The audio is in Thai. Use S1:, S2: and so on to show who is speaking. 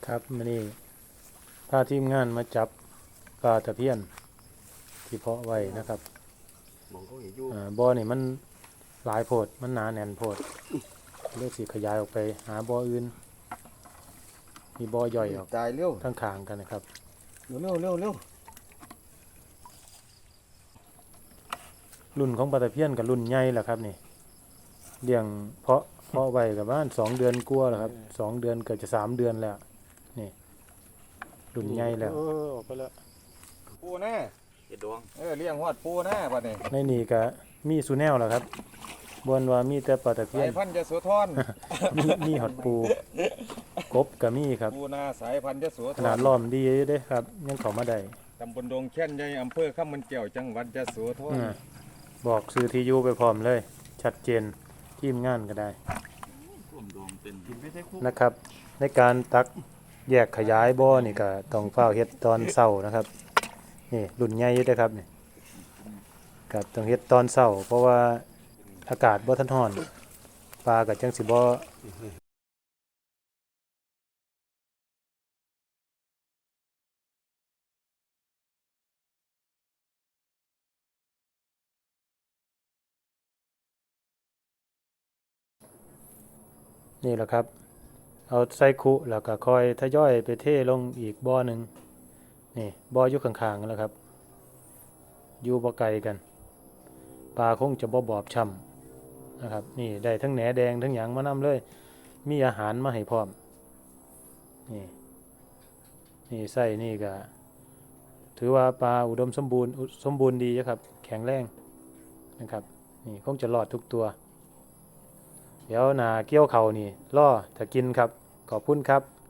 S1: ครับมื้อนี้พาทีมงานมาจับปลาตะเพียนที่เพาะไว้นะครับ
S2: มองเขาเห็นอยู่
S1: บ่อนี่มันหลายโพดมันหนาแน่นโพดเลยสิขยายออกไปหาบ่ออื่นมีบ่อย่อยออก
S2: ตายเร็ว
S1: ทั้งข้างกันนะครับ
S2: เร็ว
S1: รุ่นของปลาตะเพียนกับรุ่นใหญ่แหละครับนี่เลี้ยงเพาะไว้กับบ้าน2 เดือนกว่าแล้วครับ2 เดือนเกือบจะ3 เดือนแล้วนี่รุ่นใหญ่แล้ว
S2: ออกไปแล้วปูหน้า
S3: เจ็ดดวง
S2: เลี้ยงฮอดปูหน้าบัดนี้
S1: ในนี่ก็มีสุแนวแหละครับบนว่ามีแต่ปลาตะเพีย
S2: สาน ยพันธุ์ยโสธร
S1: มีหอดปูกบก็มีครับ
S2: ปูหน้าสายพันธุ์ยโสธ
S1: ขนาด
S2: ร
S1: ล้อมดีเด้ครับยังเข้ามาได้
S2: ตำบลดงแค่นใหญ่อำเภอข้ามมันเกี่ยวจังหวัดยโสธร
S1: บอกซื้อที่อยู่ไปพร้อมเลย ชัดเจนทีมงานก็ได้นะครับ ในการตักแยกขยายบ่อนี่ก็ต้องเฝ้าเฮ็ดตอนเช้านะครับนี่รุ่นใหญ่อยู่เด้อครับนี่ก็ต้องเฮ็ดตอนเช้าเพราะว่าอากาศบ่ทันร้อนปลาก็จังสิบ่นี่แหละครับเอาใส่คุแล้วก็ค่อยทยอยไปเทลงอีกบ่อหนึ่งนี่บ่ออยู่ข้างๆกันแล้วครับอยู่บ่ไกลกันปลาคงจะบ่บอบช้ำนะครับนี่ได้ทั้งแหนแดงทั้งหยังมานำเลยมีอาหารมาให้พร้อมนี่นี่ไส้นี่ก็ถือว่าปลาอุดมสมบูรณ์ดีครับแข็งแรงนะครับนี่คงจะรอดทุกตัวเดี๋ยวหน้าเกี่ยวเขานี่ล่อจะกินครับขอบคุณครับ